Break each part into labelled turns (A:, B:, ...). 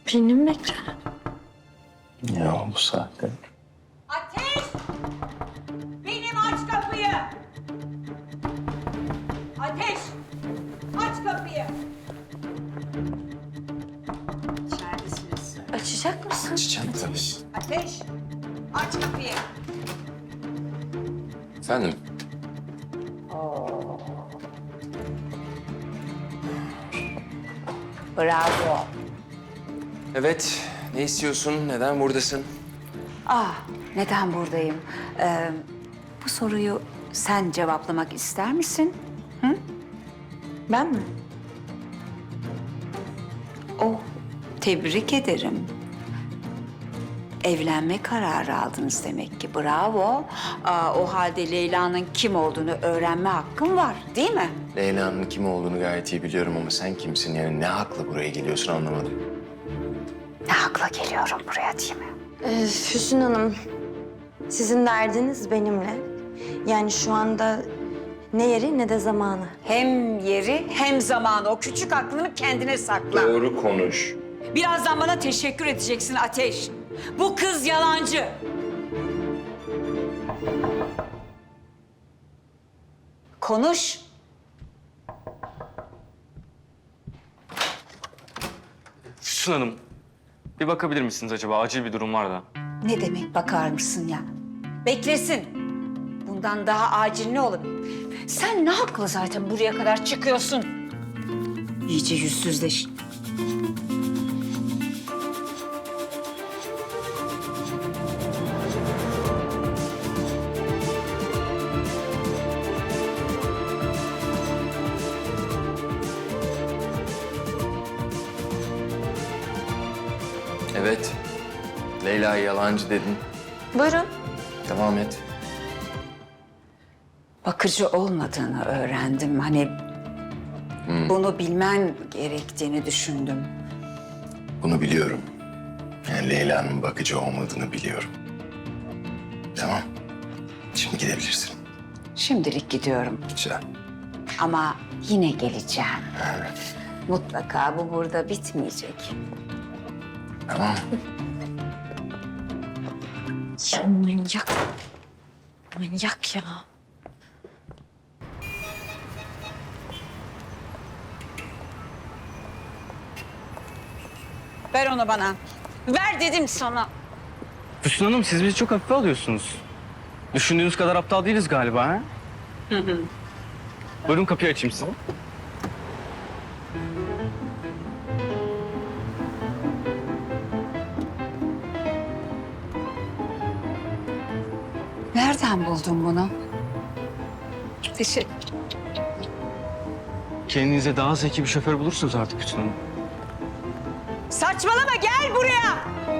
A: Birini mi bekle?
B: Ya bu saatte.
C: Ateş! Benim aç kapıyı! Ateş! Aç kapıyı! İçeridesiniz.
A: Açacak mısın?
B: Açacağım tabii.
C: Ateş! Aç kapıyı!
B: Efendim?
D: Bravo.
B: Evet. Ne istiyorsun? Neden buradasın?
D: Neden buradayım? Bu soruyu sen cevaplamak ister misin?
A: Ben mi?
D: Oh, tebrik ederim. Evlenme kararı aldınız demek ki. Bravo. O halde Leyla'nın kim olduğunu öğrenme hakkın var, değil mi?
B: Leyla'nın kim olduğunu gayet iyi biliyorum ama sen kimsin? Yani ne hakla buraya geliyorsun anlamadım.
D: Ne hakla geliyorum buraya, değil mi?
A: Füsun Hanım, sizin derdiniz benimle. Yani şu anda ne yeri ne de zamanı.
D: Hem yeri hem zamanı. O küçük aklını kendine sakla.
B: Doğru konuş.
D: Birazdan bana teşekkür edeceksin Ateş. Bu kız yalancı. Konuş.
E: Füsun Hanım, bir bakabilir misiniz acaba? Acil bir durum var da.
D: Ne demek bakar mısın ya? Beklesin. Bundan daha acil ne olabilir? Sen ne hakla zaten buraya kadar çıkıyorsun? İyice yüzsüzleş.
B: Evet. Leyla yalancı dedin.
A: Buyurun.
B: Devam et.
D: Bakıcı olmadığını öğrendim. Hani bunu bilmen gerektiğini düşündüm.
B: Bunu biliyorum. Yani Leyla'nın bakıcı olmadığını biliyorum. Tamam. Şimdi gidebilirsin.
D: Şimdilik gidiyorum
B: Güzel.
D: ama yine geleceğim. Mutlaka bu burada bitmeyecek.
B: Tamam.
A: Ya manyak. Manyak ya.
D: Ver onu bana. Ver dedim sana.
E: Füsun Hanım, siz bizi çok hafife alıyorsunuz. Düşündüğünüz kadar aptal değiliz galiba, ha? Buyurun, kapıyı açayım size.
D: Nereden buldun bunu? Teşekkür.
E: Kendinize daha zeki bir şoför bulursunuz artık Füsun Hanım.
D: Saçmalama, gel buraya.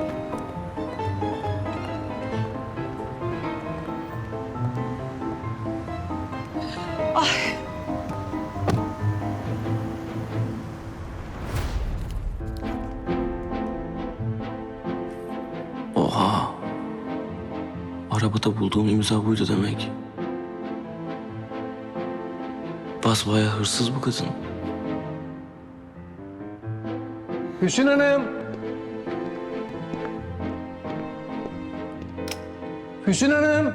F: Oha. Arabada bulduğum imza buydu demek. Basbayağı hırsız bu kadın.
G: Füsun Hanım. Füsun Hanım.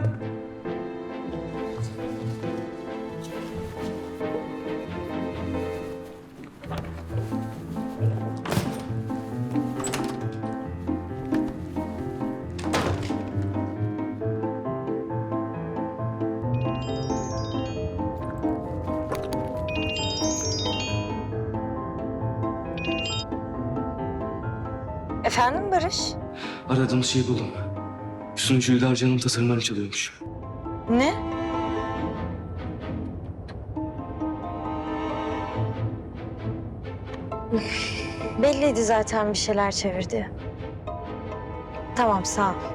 A: Efendim Barış?
F: Aradığımız şeyi buldum. Sunucu Hülyar Can'ın tasarımlarını çalıyormuş.
A: Ne? Belliydi zaten bir şeyler çevirdi. Tamam sağ ol.